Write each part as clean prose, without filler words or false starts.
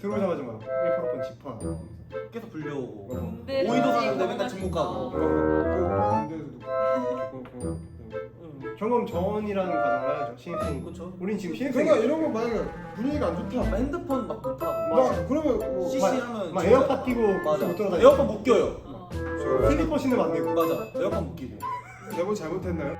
들어오자마자 막 1%번 집화. 계속 불려오고 군대 오이도 가지, 사는데 맨날 가지. 중국 가고. 경험 전이라는 과정을 해야죠. 신입생. 그렇죠. 우린 지금 신입생. 그러니까 이런 거 만약에 분위기가 안 좋다. 핸드폰 막 못하고 막 그러면 뭐 CC 하면 막 진짜- 에어팟 끼고 맞아. 못 들어다니고. 에어팟 못 껴요. 어. 슬리퍼 신으면 안 되고. 맞아. 에어팟 못 끼고. 내가 잘못했나요?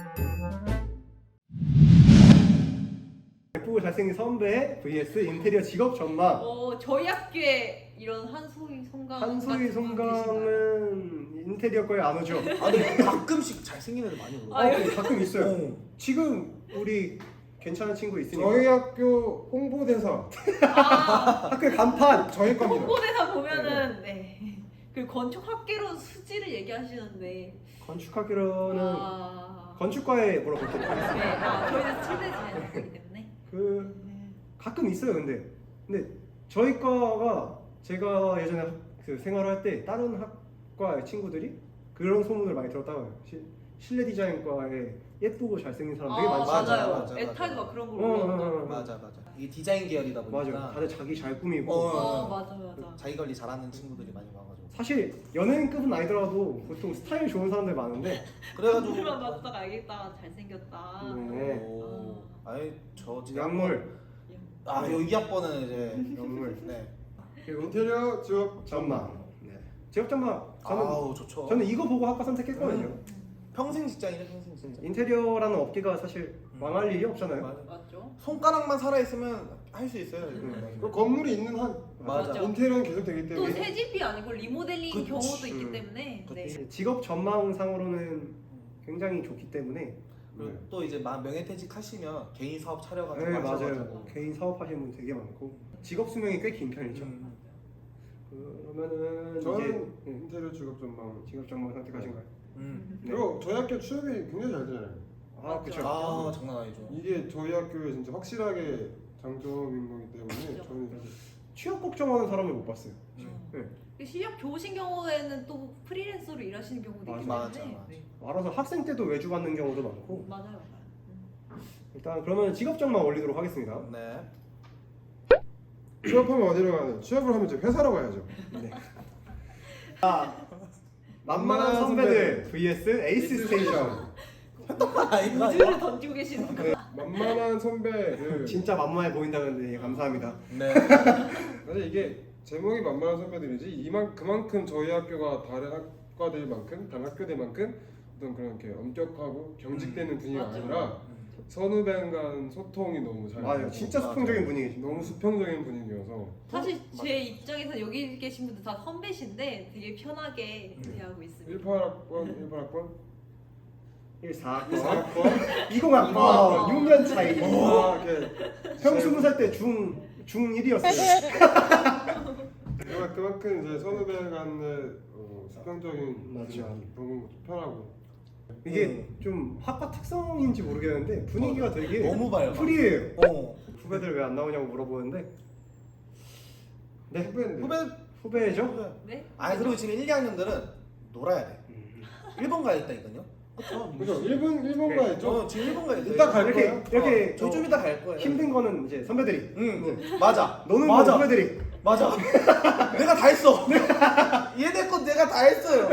예쁘고 잘생긴 선배 vs 인테리어 직업 전망. 저희 학교에 이런 한소희 송강 한소희 같은 분 계시나요? 송강은 인테리어 거에 안 오죠. 아 근데 가끔씩 잘생긴 애들 많이 오고. 가끔 있어요. 어. 지금 우리 괜찮은 친구 있으니까 저희 학교 홍보대사 학교에 간판. 저희 겁니다. 홍보대사 보면은 그 건축학개론 수지를 얘기하시는데 건축학교로는 아... 건축과에 물어보도록 하겠습니다. 네, 저희는 칠대 자연이기 때문에 가끔 있어요. 근데 저희 과가 제가 예전에 그 생활할 때 다른 학과의 친구들이 그런 소문을 많이 들었다고요. 실내 디자인과에 예쁘고 잘생긴 사람 되게 많지 맞아, 맞아요. 맞아, 에타가 맞아. 그런 걸 올라온다. 맞아. 이게 디자인 계열이다 보니까. 맞아. 다들 자기 잘 꾸미고. 맞아. 자기 관리 잘하는 친구들이 많이 와가지고. 사실 연예인급은 아니더라도 보통 스타일 좋은 사람들 많은데. 그래가지고. 오늘만 봤다가 알겠다. 잘생겼다. 네. 오. 아니 저 지금 약물. 여기 학번은 이제 약물. 네. 그리고 인테리어 직업 전망. 네. 직업 전망. 아우 좋죠. 저는 이거 보고 학과 선택했거든요. 평생 직장이래 평생 직장. 인테리어라는 업계가 사실 망할 일이 없잖아요. 맞아. 맞죠? 손가락만 살아 있으면 할 수 있어요. 그리고 건물이 있는 한 맞아. 인테리어는 계속 되기 또 때문에 새 집이 아니고 리모델링 그치. 경우도 있기 때문에 그치. 직업 전망상으로는 굉장히 좋기 때문에. 그리고 또 이제 명예퇴직 하시면 개인 사업 차려가지고 네, 맞아요. 하셔가지고. 개인 사업하시는 분 되게 많고 직업 수명이 꽤 긴 편이죠. 그러면은 저는 이제 인테리어 직업 전망. 직업 전망 선택하신가요? 네. 그리고 저희 학교 취업이 굉장히 잘 되잖아요. 아 그렇죠. 아 장난 아니죠. 이게 저희 학교에 진짜 확실하게 장점인 거기 때문에 저는 취업 걱정하는 사람을 못 봤어요. 네. 실력 좋으신 경우에는 또 프리랜서로 일하시는 경우도 있기 맞아. 때문에 알아서 학생 때도 외주 받는 경우도 많고. 맞아요. 일단 그러면 직업 전망 올리도록 하겠습니다. 네. 취업하면 어디로 가요? 취업을 하면 이제 회사로 가야죠. 네. 만만한 선배들 vs 에이스 스테이션. 아이가 우주를 던지고 계시는 거. 만만한 선배들. 진짜 만만해 보인다는데 감사합니다. 네. 사실 이게 제목이 만만한 선배들이지 그만큼 저희 학교가 다른 학과들만큼 다른 학교들만큼 어떤 그런 게 엄격하고 경직되는 분위기가 맞아. 아니라 선후배 간 소통이 너무 잘 맞아요. 되고 진짜 수평적인 분위기죠. 너무 수평적인 분위기여서 사실 제 입장에서 여기 계신 분들 다 선배신데 되게 편하게 대하고 있습니다. 18학번, 18학번, 14학번, 4학번 20학번, 6년 차이. 이렇게 형 20살 때 중1이었어요. 그만큼 이제 선후배 간의 수평적인 맞죠. 너무 편하고 이게 좀 학과 특성인지 모르겠는데 분위기가 되게 너무 밝아. 프리해요. 어. 후배들 왜 안 나오냐고 물어보는데 네 후배인데 후배죠? 네? 아니 그리고 지금 1, 2학년들은 놀아야 돼. 일본 가 있다니까요. 그렇죠. 그죠? 일본 가야죠. 지금 일본 가 있어요. 이따 갈 거예요? 이렇게 저희 좀 이따 갈 거예요. 힘든 거는 이제 선배들이. 응. 맞아. 너는 맞아. 뭐 후배들이. 맞아. 내가 다 했어. 얘네 거 내가 다 했어요.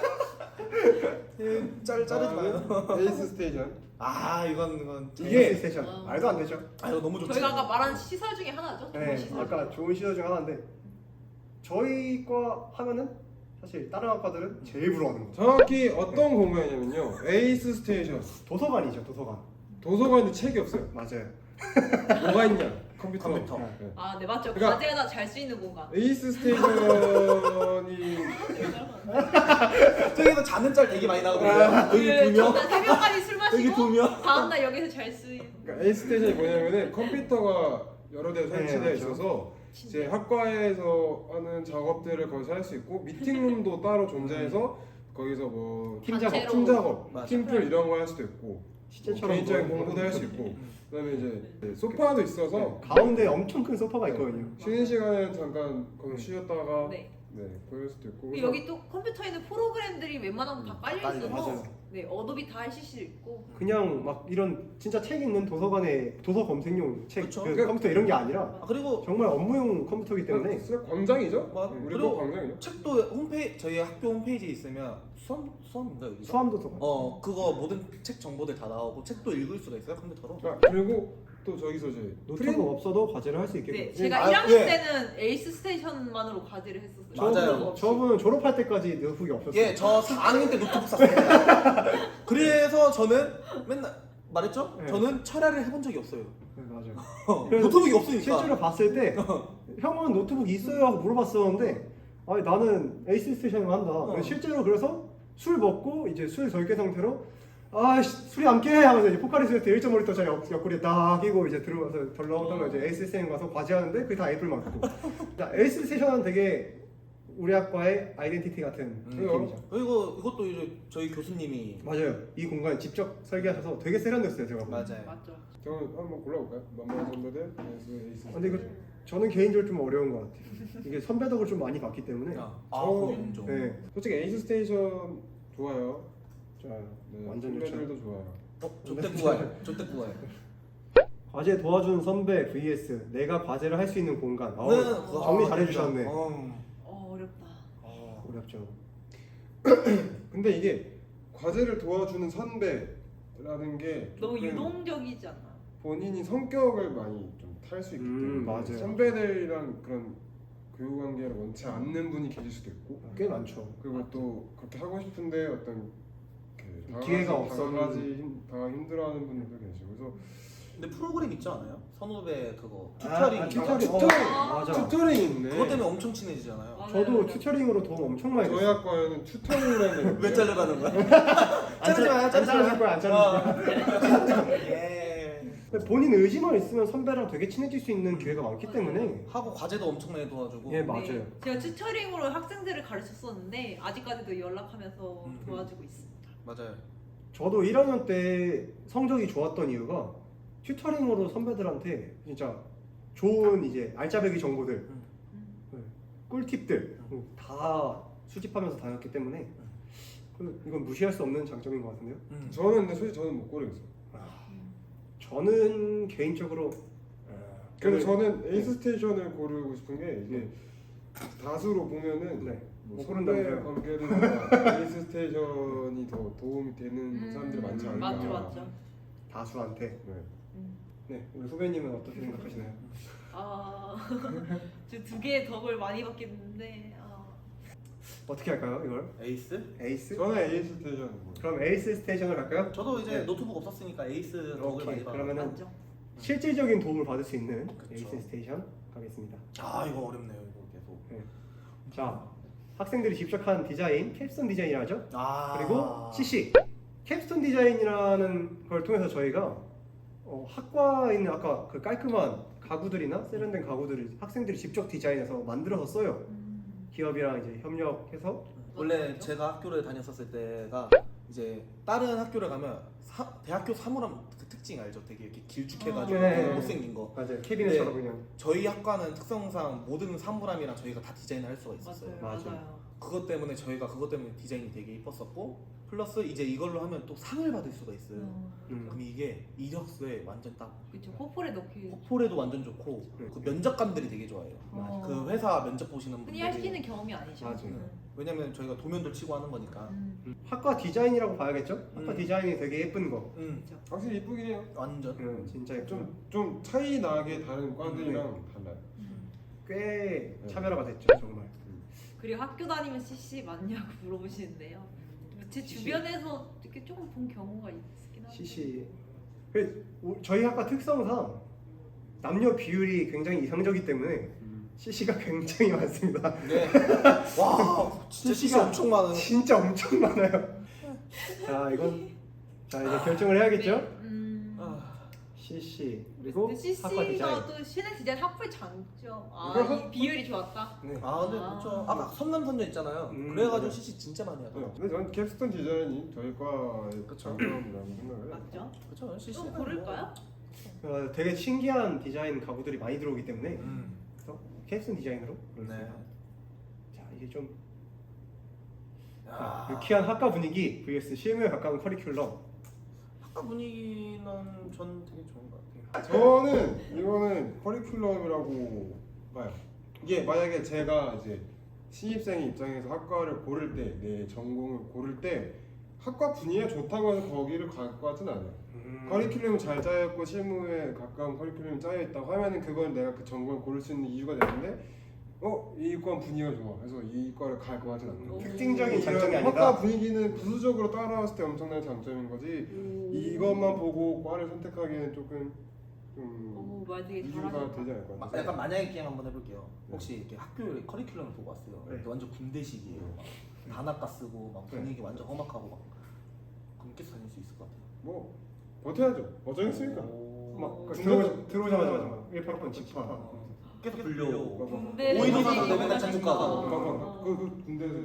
자르지 마요. 에이스 스테이션. 이건 이게 스테이션 말도 안 되죠. 이거 너무 좋지. 저희가 아까 말한 시설 중에 하나죠. 좋은 네, 시설. 아까 좋은 시설 중 하나인데 저희 과 하면은 사실 다른 학과들은 제일 부러워하는 거. 정확히 어떤 공간이냐면요. 에이스 스테이션. 도서관이죠, 도서관. 도서관에 책이 없어요. 맞아요. 뭐가 있냐? 컴퓨터. 네. 네 맞죠. 그러니까- 과제나 잘 수 있는 공간. 에이스 스테이션이 저기서 자는 짤 되게 많이 나오거든요. 여기 두 명. 전날 새벽까지 술 여기 두 마시고 명. 다음날 여기서 잘 수 있는. 그러니까 에이스 스테이션이 뭐냐면은 컴퓨터가 여러 대 설치되어 맞죠. 있어서 이제 학과에서 하는 작업들을 거기서 할 수 있고 미팅룸도 따로 존재해서 거기서 뭐 팀 작업, 단체로. 팀 작업, 맞아. 팀플 이런 거 할 수도 있고 실제처럼 개인적인 뭐- 공부도 할 수 있고 그다음에 이제 소파도 있어서 가운데 엄청 큰 소파가 있거든요. 쉬는 시간에 잠깐 거기 쉬었다가 네. 네, 그럴 수도 있고. 그리고 여기 또 컴퓨터에 있는 프로그램들이 웬만하면 다 깔려 깔려. 있어서 맞아요. 네, 어도비 다 할 CC도 있고 그냥 막 이런 진짜 책 읽는 도서관에 도서 검색용 책, 그쵸. 그 컴퓨터 이런 게 아니라 아, 그리고 정말 업무용 컴퓨터이기 때문에 진짜 광장이죠? 뭐, 우리 그리고 거 광장이죠? 책도 홈페이지 저희 학교 홈페이지에 있으면 수험인가 여기? 수암 도서관. 그거 모든 책 정보들 다 나오고 책도 읽을 수가 있어요 컴퓨터로. 아, 그리고 또 저기서 이제 노트북 없어도 과제를 할 수 있게. 네, 네. 제가 아, 1학년 예. 때는 에이스 스테이션만으로 과제를 했었어요. 맞아요. 노트북 없이. 저분은 졸업할 때까지 노트북이 없었어요. 예, 저 4학년 때 노트북 샀습니다. 그래서 저는 맨날 말했죠? 네. 저는 철야를 해본 적이 없어요. 네, 맞아요. 그래서 노트북이 없으니까. 실제로 봤을 때 형은 노트북 있어요 하고 물어봤었는데 아니 나는 에이스 스테이션을 한다. 실제로 그래서 술 먹고 이제 술 절개 상태로 술이 안 깨 하면서 이제 포카리 스웨트 1.5리터짜리 옆구리에 딱 끼고 이제 들어가서 덜렁덜렁 이제 에이스 스테이션 가서 과제하는데 그게 다 애플 맞고. 에이스 스테이션은 되게 우리 학과의 아이덴티티 같은 느낌이죠. 그리고 이것도 이제 저희 교수님이 맞아요. 이 공간 직접 설계하셔서 되게 세련됐어요 제가. 보면. 맞아요. 맞죠. 저는 한번 골라볼까요? 만만한 선배들 에이스. 근데 이거 저는 개인적으로 좀 어려운 것 같아요. 이게 선배 덕을 좀 많이 봤기 때문에. 그 인정. 네. 솔직히 에이스 스테이션 좋아요. 좋아요. 네, 완전 좋죠. 선배들도 좋아요. 조태구가요. 조태구가요. 과제 도와준 선배 vs 내가 과제를 할 수 있는 공간. 그거 정리 잘해주셨네. 어렵다. 어렵죠. 근데 이게 과제를 도와주는 선배라는 게 너무 조금 유동적이지 않나? 본인이 성격을 많이 좀 탈 수 있기 때문에 맞아요. 선배들이랑 그런 교우 관계를 원치 않는 분이 계실 수도 있고 꽤 많죠. 그리고 또 그렇게 하고 싶은데 어떤 기회가 없어서 당하기 힘들어하는 분들도 계시고 그래서 근데 프로그램 있지 않아요? 선후배 그거 튜터링. 튜터링. 튜터링. 아, 맞아. 튜터링 있네. 그것 때문에 엄청 친해지잖아요. 맞아요, 저도 맞아요. 튜터링으로 도움 엄청 많이 저희 됐어요. 학과에는 튜터링이라는 게 왜 자르라는 거야? 안 자르지 마요, 자르지 잘라줄 거야, 안 잘라줄 거야. 예. 근데 본인 의지만 있으면 선배랑 되게 친해질 수 있는 기회가 많기 때문에. 하고 과제도 엄청나게 도와주고. 예, 맞아요. 네, 제가 튜터링으로 학생들을 가르쳤었는데 아직까지도 연락하면서 음. 도와주고 있습니다. 맞아요. 저도 1학년 때 성적이 좋았던 이유가 튜터링으로 선배들한테 진짜 좋은 이제 알짜배기 정보들, 네, 꿀팁들 다 수집하면서 다녔기 때문에 이건 무시할 수 없는 장점인 것 같은데요. 저는 근데 솔직히 저는 못 고르겠어요. 저는 개인적으로 그래서 저는 에이스 스테이션을 고르고 싶은 게 이게 다수로 보면은 네. 뭐 못 선배 고른다면서요? 관계는 에이스 스테이션이 더 도움이 되는 사람들이 많지 않을까. 맞죠, 맞죠. 다수한테. 네. 네, 우리 후배님은 어떻게 생각하시나요? 저 두 개의 덕을 많이 받겠는데 어떻게 할까요, 이걸? 에이스? 에이스? 저는 에이스 스테이션. 그럼 에이스 스테이션을 갈까요? 저도 이제 네. 노트북 없었으니까 에이스 덕을 오케이, 많이 받아. 그러면은 맞죠. 실질적인 도움을 받을 수 있는 그쵸. 에이스 스테이션 가겠습니다. 이거 어렵네요 이거 계속. 자, 학생들이 직접 한 디자인, 캡스톤 디자인이라 하죠. 아. 그리고 CC, 캡스톤 디자인이라는 걸 통해서 저희가 학과에 있는 아까 그 깔끔한 가구들이나 세련된 가구들을 학생들이 직접 디자인해서 만들어서 써요. 기업이랑 이제 협력해서. 원래 제가 학교를 다녔었을 때가 이제 다른 학교를 가면 대학교 사물함 그 특징 알죠? 되게 이렇게 길쭉해가지고 네. 되게 못생긴 거. 맞아요. 캐비넷처럼 네. 그냥. 저희 학과는 특성상 모든 사물함이랑 저희가 다 디자인을 할 수가 있었어요. 맞아요. 맞아. 맞아요. 그것 때문에 저희가 그것 때문에 디자인이 되게 이뻤었고 플러스 이제 이걸로 하면 또 상을 받을 수가 있어요. 그럼 이게 이력서에 완전 딱 그렇죠. 포폴에 넣기 포폴에도 완전 좋고 그 면접관들이 되게 좋아해요. 어. 그 회사 면접 보시는 흔히 할 수 분들이 있는 경험이 아니죠. 맞아요. 왜냐면 저희가 도면도 치고 하는 거니까. 학과 디자인이라고 봐야겠죠? 학과 음. 디자인이 되게 예쁜 거. 그렇죠. 확실히 이쁘긴 해요. 완전. 진짜 예쁜 좀 차이 나게 다른 과들이랑 달라요. 꽤 네. 차별화가 됐죠, 정말. 그리고 학교 다니면 CC 맞냐고 물어보시는데요. 제 CC? 주변에서 이렇게 조금 본 경우가 있긴 한데. CC. 저희 학과 특성상 남녀 비율이 굉장히 이상적이기 때문에 CC가 굉장히 많습니다. 네. 와, 진짜 CC 엄청 많은. 진짜 엄청 많아요. 자, 자 이제 결정을 해야겠죠? CC 그리고 학과 디자인. CC가 또 신의 디자인 학부의 장점. 이거 이 비율이 좋았다. 네. 근데 아. 그렇죠. 아까 선남선녀 있잖아요. 맞아요. 그래가지고 CC 진짜 많이 하더라고요. 근데 저는 캡스톤 디자인이 저희 과의 그쵸. 장점이라고 생각을 해요. 맞죠? 그렇죠. CC. 또 고를까요? 되게 신기한 디자인 가구들이 많이 들어오기 때문에 음. 그래서 캡슨 디자인으로 네. 자 이게 좀 유쾌한 학과 분위기 vs 실무에 가까운 커리큘럼. 학과 분위기는 전 되게 좋은 것 같아요. 저는 이거는 커리큘럼이라고 봐요. 이게 만약에 제가 이제 신입생의 입장에서 학과를 고를 때, 내 전공을 고를 때 학과 분위기가 좋다고 해서 거기를 갈 것 같진 않아요. 커리큘럼이 잘 짜여있고 실무에 가까운 커리큘럼이 짜여있다고 하면은 그건 내가 그 전공을 고를 수 있는 이유가 되는데 이 과 분위기가 좋아. 그래서 이 과를 갈 것 같진 않아요. 특징적인 장점이 아니다. 학과 분위기는 부수적으로 따라왔을 때 엄청난 장점인 거지. 이것만 보고 과를 선택하기에는 조금 말 되게 이유가 잘하셨다. 되지 않을 것 같아요. 약간 만약에 게임 한번 해볼게요. 혹시 이렇게 학교에 커리큘럼을 보고 왔어요. 네. 완전 군대식이에요. 막 단학과 쓰고 막 분위기 완전 험악하고 막 그럼 계속 다닐 수 있을 것 같아요. 뭐 버텨야죠. 어쩌겠습니까? 막 군대- 들어오자마자 막 1학번 집합. 계속 불려오고 군대 오이도 분위기 사는데 맨날 잔뜩 가고. 어. 그 군대에서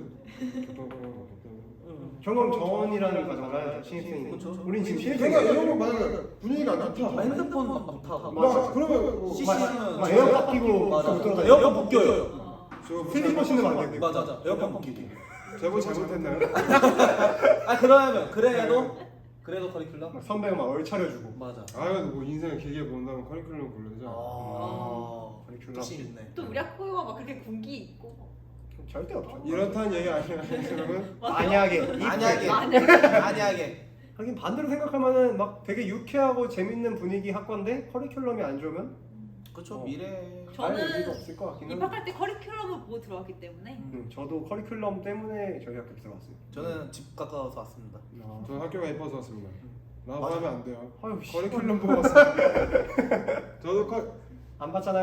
경험 전이라는 과정을 하죠. 신입생이. 그쵸. 우린 지금 그러니까 신입생이야. 이런 거 만약에 분위기가 안 좋다. 막 핸드폰 막 못하고 막 그러면 뭐 CC는 막 에어컨 끼고 맞아. 못 들어가요. 에어컨 못 껴요. 어. 슬리퍼 신으면 안 되고. 맞아. 에어컨 못 끼게. 제보 잘못했나요? 그러면 그래도 커리큘럼? 막 선배가 막 얼차려주고. 맞아. 뭐 인생을 길게 본다면 커리큘럼 골라야죠. 커리큘럼. 욕심 있네. 또 우리 학교가 막 그렇게 군기 있고 절대 없죠. 이렇다는 얘기 아니야. 그러면 만약에 만약에 하긴 반대로 생각하면은 막 되게 유쾌하고 재밌는 분위기 학과인데 커리큘럼이 안 좋으면 그쵸 어. 미래. 알 저는 의미가 없을 것 같긴 한데. 입학할 때 커리큘럼을 보고 들어왔기 때문에 저도 커리큘럼 때문에 저희 학교 들어갔어요. 저는 집 가까워서 왔습니다. 저 학교가 예뻐서 왔습니다. 나도 맞아. 하면 안 돼요. 아유 씨. 커리큘럼 보고 왔어요. 저도 안 봤잖아요.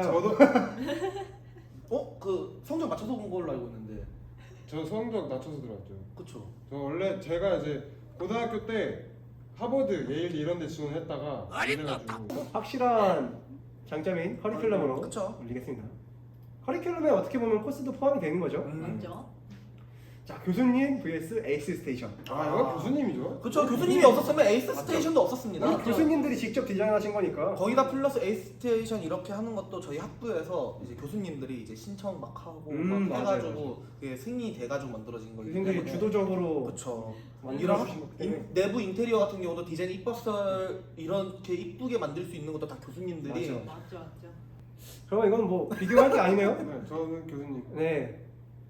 그 성적 맞춰서 본 걸로 알고 있는데. 저 성적 낮춰서 들어왔죠. 그쵸. 저 원래 제가 이제 고등학교 때 하버드, 예일 이런 데 지원했다가 안 돼가지고 확실한 장점인 커리큘럼으로 그쵸. 올리겠습니다. 커리큘럼에 어떻게 보면 코스도 포함이 되는 거죠. 맞죠? 자, 교수님 vs 에이스 스테이션. 이건 교수님이죠. 그쵸. 교수님이 없었으면 에이스 스테이션도 없었습니다. 우리 교수님들이 직접 디자인하신 거니까. 거기다 플러스 에이스 스테이션 이렇게 하는 것도 저희 학부에서 이제 교수님들이 이제 신청 막 하고 막 맞아요, 해가지고 맞아요. 그게 승인이 돼가지고 만들어진 거기 교수님들이 때문에. 주도적으로 그쵸. 만들어주신 거기 때문에. 내부 인테리어 같은 경우도 디자인 이뻤을 이렇게 이쁘게 만들 수 있는 것도 다 교수님들이. 맞아. 맞죠. 그러면 이건 뭐 비교할 게 아니네요. 네, 저는 교수님. 네.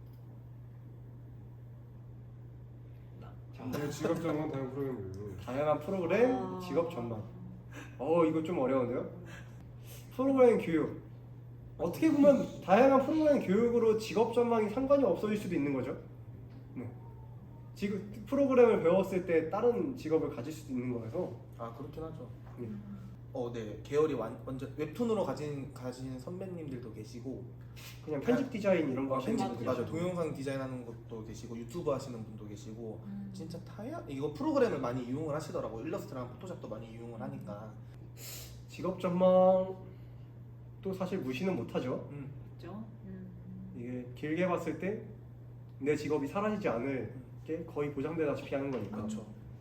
제 직업 전문 다른 프로그램이에요. 다양한 프로그램, 직업 전망. 이거 좀 어려운데요? 프로그램 교육. 어떻게 보면 다양한 프로그램 교육으로 직업 전망이 상관이 없어질 수도 있는 거죠. 네. 지금 프로그램을 배웠을 때 다른 직업을 가질 수도 있는 거라서. 그렇긴 하죠. 네. 네 계열이 완전 웹툰으로 가진 선배님들도 계시고 그냥 편집 디자인 이런 거 하시는 맞아. 분들. 맞아 동영상 디자인하는 것도 계시고 유튜브 하시는 분도 계시고 진짜 이거 프로그램을 많이 이용을 하시더라고. 일러스트랑 포토샵도 많이 이용을 하니까. 직업 전망 또 사실 무시는 못하죠. 맞죠? 이게 길게 봤을 때 내 직업이 사라지지 않을 게 거의 보장되다시피 하는 거니까. 그렇죠.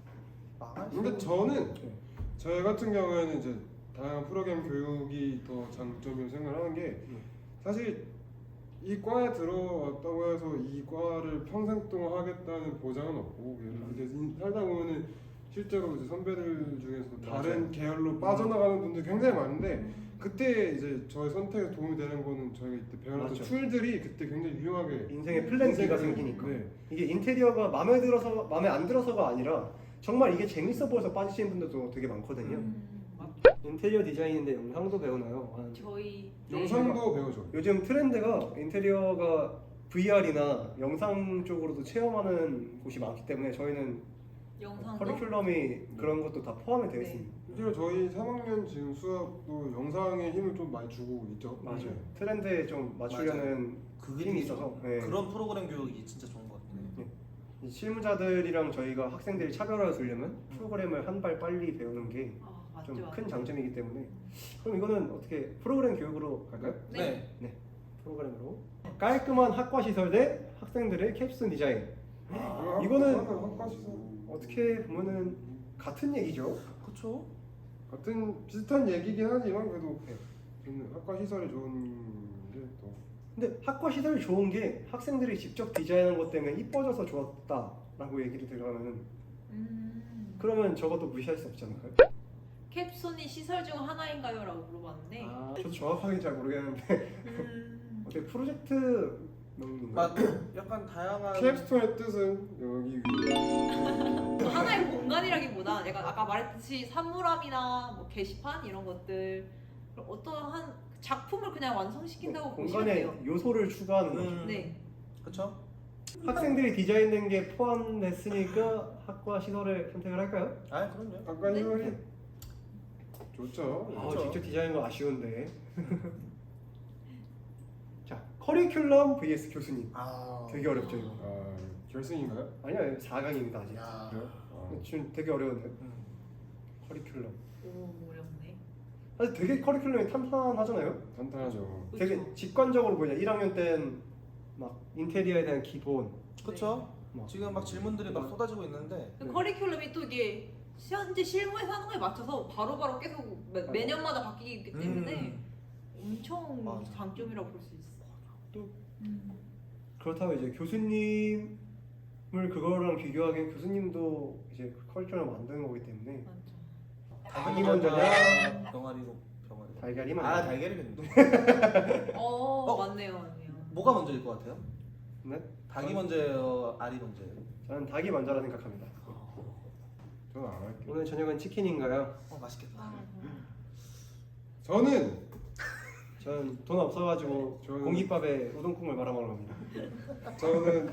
근데 저는 저희 같은 경우에는 이제 다양한 프로그램 교육이 더 장점이라고 생각하는 게 사실 이 과에 들어왔다고 해서 이 과를 평생 동안 하겠다는 보장은 없고 이제 살다 보면은 실제로 이제 선배들 중에서 다른 계열로 빠져나가는 분들 굉장히 많은데 그때 이제 저희 선택에 도움이 되는 거는 저희가 이때 배워놨던 맞죠. 툴들이 그때 굉장히 유용하게 인생의 플랜 B가 생기니까. 네. 이게 인테리어가 마음에 안 들어서가 아니라 정말 이게 재밌어 보여서 빠지시는 분들도 되게 많거든요. 맞죠. 인테리어 디자인인데 영상도 배우나요? 저희 영상도 배우죠. 요즘 트렌드가 인테리어가 VR이나 영상 쪽으로도 체험하는 곳이 많기 때문에 저희는 영상도 커리큘럼이 그런 것도 다 포함이 되어 네. 있습니다. 실제로 저희 3학년 지금 수업도 영상에 힘을 좀 많이 주고 있죠. 맞아요. 트렌드에 좀 맞추려는 힘이 있어서. 네. 그런 프로그램 교육이 진짜 좋은 것 같아요. 이 실무자들이랑 저희가 학생들이 차별화를 두려면 프로그램을 한 발 빨리 배우는 게 맞죠. 좀 큰 장점이기 때문에 그럼 이거는 어떻게 프로그램 교육으로 갈까요? 네. 프로그램으로 깔끔한 학과 시설 대 학생들의 캡슐 디자인. 이거는 어떻게 보면은 같은 얘기죠. 그렇죠. 같은 비슷한 얘기긴 하지만 그래도 저는 학과 시설이 좋은 게 더 근데 학과 시설이 좋은 게 학생들이 직접 디자인한 것 때문에 이뻐져서 좋았다라고 얘기를 들어가면 그러면 저것도 무시할 수 없지 않을까요? 캡손이 시설 중 하나인가요? 라고 물어봤는데 저도 정확하게 잘 모르겠는데 어떻게 프로젝트 명인가요? 약간 다양한 캡스톤의 뜻은 여기 위에. 하나의 공간이라기보다 내가 아까 말했듯이 산물함이나 뭐 게시판 이런 것들 어떠한 작품을 그냥 완성시킨다고 보시면 공간에 돼요. 요소를 추가하는 거죠. 네. 그렇죠. 학생들이 디자인된 게 포함됐으니까 학과 시설을 선택을 할까요? 아 그럼요. 아까 네. 시설이 좋죠. 그렇죠. 직접 디자인한 거 아쉬운데. 자, 커리큘럼 vs 교수님. 아 되게 어렵죠 이거. 아 결승인가요? 아니요, 4강입니다 아직. 야. 그래요? 아. 지금 되게 어려운데. 커리큘럼. 오 어렵네. 사실 되게 커리큘럼이 탄탄하잖아요. 탄탄하죠. 되게 그쵸. 직관적으로 보이냐. 1학년 때는 막 인테리어에 대한 기본. 그렇죠. 막 지금 막 질문들이 막 쏟아지고 있는데 네. 커리큘럼이 또 이게 현재 실무에서 하는 거에 맞춰서 바로바로 계속 매년마다 바뀌기 때문에 엄청 맞아. 장점이라고 볼 수 있어. 또 그렇다고 이제 교수님을 그거랑 비교하기엔 교수님도 이제 커리큘럼 만드는 거기 때문에 맞죠. 닭이 먼저냐 병아리로 병아리. 달걀이 먼저. 아 달걀이겠네. 맞네요, 맞네요. 뭐가 먼저일 것 같아요? 네? 닭이 먼저예요, 알이 먼저예요? 저는 닭이 먼저라 생각합니다. 저는 안 할게요. 오늘 저녁은 치킨인가요? 맛있겠다. 아, 저는 저는 돈 없어가지고 저는- 공깃밥에 우동국물 말아 먹으러 갑니다. 저는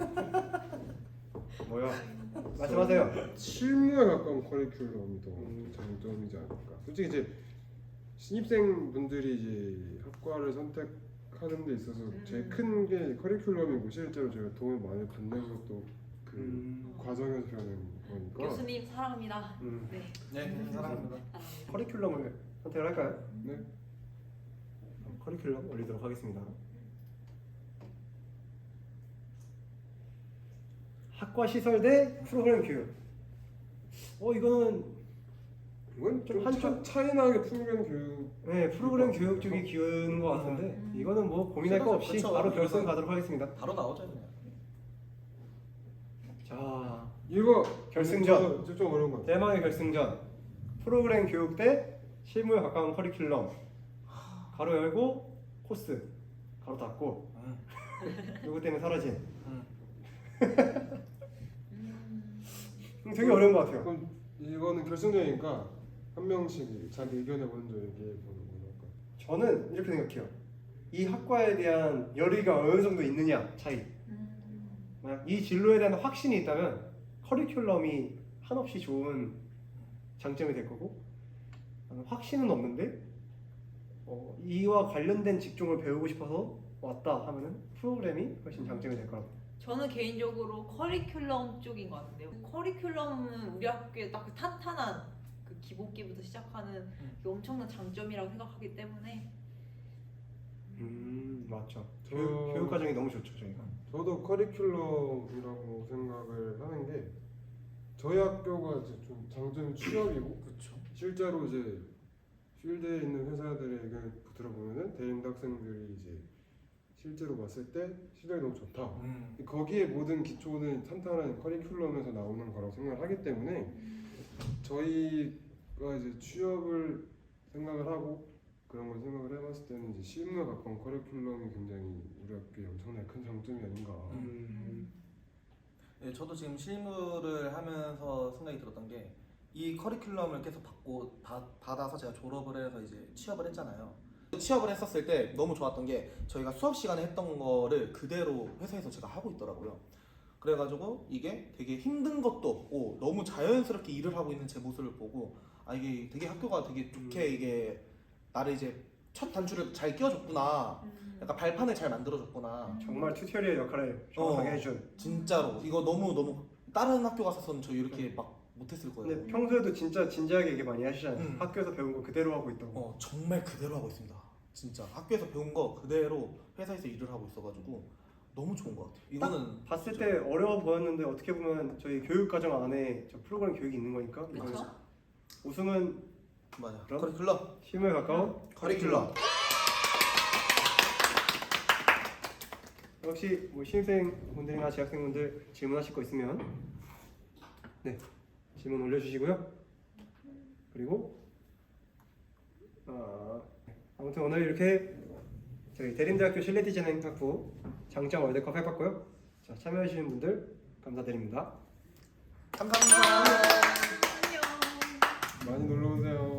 뭐요? 말씀하세요. 실무에 가까운 커리큘럼이 더 장점이지 않을까. 솔직히 이제 신입생 분들이 이제 학과를 선택하는 데 있어서 제일 큰 게 커리큘럼이고 실제로 제가 도움을 많이 받는 것도 그 과정에서 배우는 거니까. 교수님 사랑합니다. 네. 네, 사랑합니다. 사랑합니다. 커리큘럼을 선택을 할까요? 네. 커리큘럼 올리도록 하겠습니다. 학과 시설 대 프로그램 교육. 이거는 이건 좀 한쪽- 차이나게 프로그램 교육. 네 프로그램 교육 쪽이 기울는 것 같은데 이거는 뭐 고민할 거 없이 그쵸. 바로 결승 이거는- 가도록 하겠습니다. 바로 나오죠 그냥. 자 이거 결승전. 좀 어려운 것 같아요. 대망의 결승전. 프로그램 교육 대 실무에 가까운 커리큘럼. 가로 열고 코스 가로 닫고 요거 때문에 사라진. 되게 어려운 것 같아요. 그럼 이거는 결승전이니까 한 명씩 자기 의견을 먼저 얘기해 보는 걸로 할까요? 저는 이렇게 생각해요. 이 학과에 대한 열의가 어느 정도 있느냐 차이. 만약 이 진로에 대한 확신이 있다면 커리큘럼이 한없이 좋은 장점이 될 거고 확신은 없는데 이와 관련된 직종을 배우고 싶어서 왔다 하면은 프로그램이 훨씬 장점이 될 거라고. 저는 개인적으로 커리큘럼 쪽인 것 같은데요. 커리큘럼은 우리 학교에 딱 그 탄탄한 그 기본기부터 시작하는 그 엄청난 장점이라고 생각하기 때문에 맞죠. 저- 교육 과정이 너무 좋죠 저희가. 저도 커리큘럼이라고 생각을 하는 게 저희 학교가 이제 좀 장점이 취업이고 그렇죠. 실제로 이제 필드에 있는 회사들의 의견을 들어보면은 대인대 학생들이 이제 실제로 봤을 때 실력이 너무 좋다. 거기에 모든 기초는 탄탄한 커리큘럼에서 나오는 거라고 생각을 하기 때문에 저희가 이제 취업을 생각을 하고 그런 걸 생각을 해봤을 때는 이제 실무에 가까운 커리큘럼이 굉장히 우리 학교의 엄청나게 큰 장점이 아닌가. 네, 저도 지금 실무를 하면서 생각이 들었던 게 이 커리큘럼을 계속 받아서 제가 졸업을 해서 이제 취업을 했잖아요. 취업을 했었을 때 너무 좋았던 게 저희가 수업 시간에 했던 거를 그대로 회사에서 제가 하고 있더라고요. 그래가지고 이게 되게 힘든 것도 없고 너무 자연스럽게 일을 하고 있는 제 모습을 보고 이게 되게 학교가 되게 좋게 이게 나를 이제 첫 단추를 잘 끼워줬구나. 약간 발판을 잘 만들어줬구나. 정말 튜토리얼 역할을 정확하게 해준. 진짜로 이거 너무 다른 학교 갔었으면 저 이렇게 막 못했을 거예요. 근데 평소에도 진짜 진지하게 얘기 많이 하시잖아요. 학교에서 배운 거 그대로 하고 있다고. 정말 그대로 하고 있습니다. 진짜 학교에서 배운 거 그대로 회사에서 일을 하고 있어가지고 너무 좋은 것 같아요. 이거는 봤을 때 어려워 보였는데 어떻게 보면 저희 교육 과정 안에 저 프로그램 교육이 있는 거니까 이거는 그렇죠? 우승은 맞아. 그럼? 커리큘럼. 실무에 가까운 커리큘럼. 혹시 뭐 신입생분들이나 재학생분들 질문하실 거 있으면 네 질문 올려주시고요. 그리고 아무튼 오늘 이렇게 저희 대림대학교 실내디자인학부 장점 월드컵 해봤고요. 자, 참여해주신 분들 감사드립니다. 감사합니다. 안녕. 많이 놀러 오세요.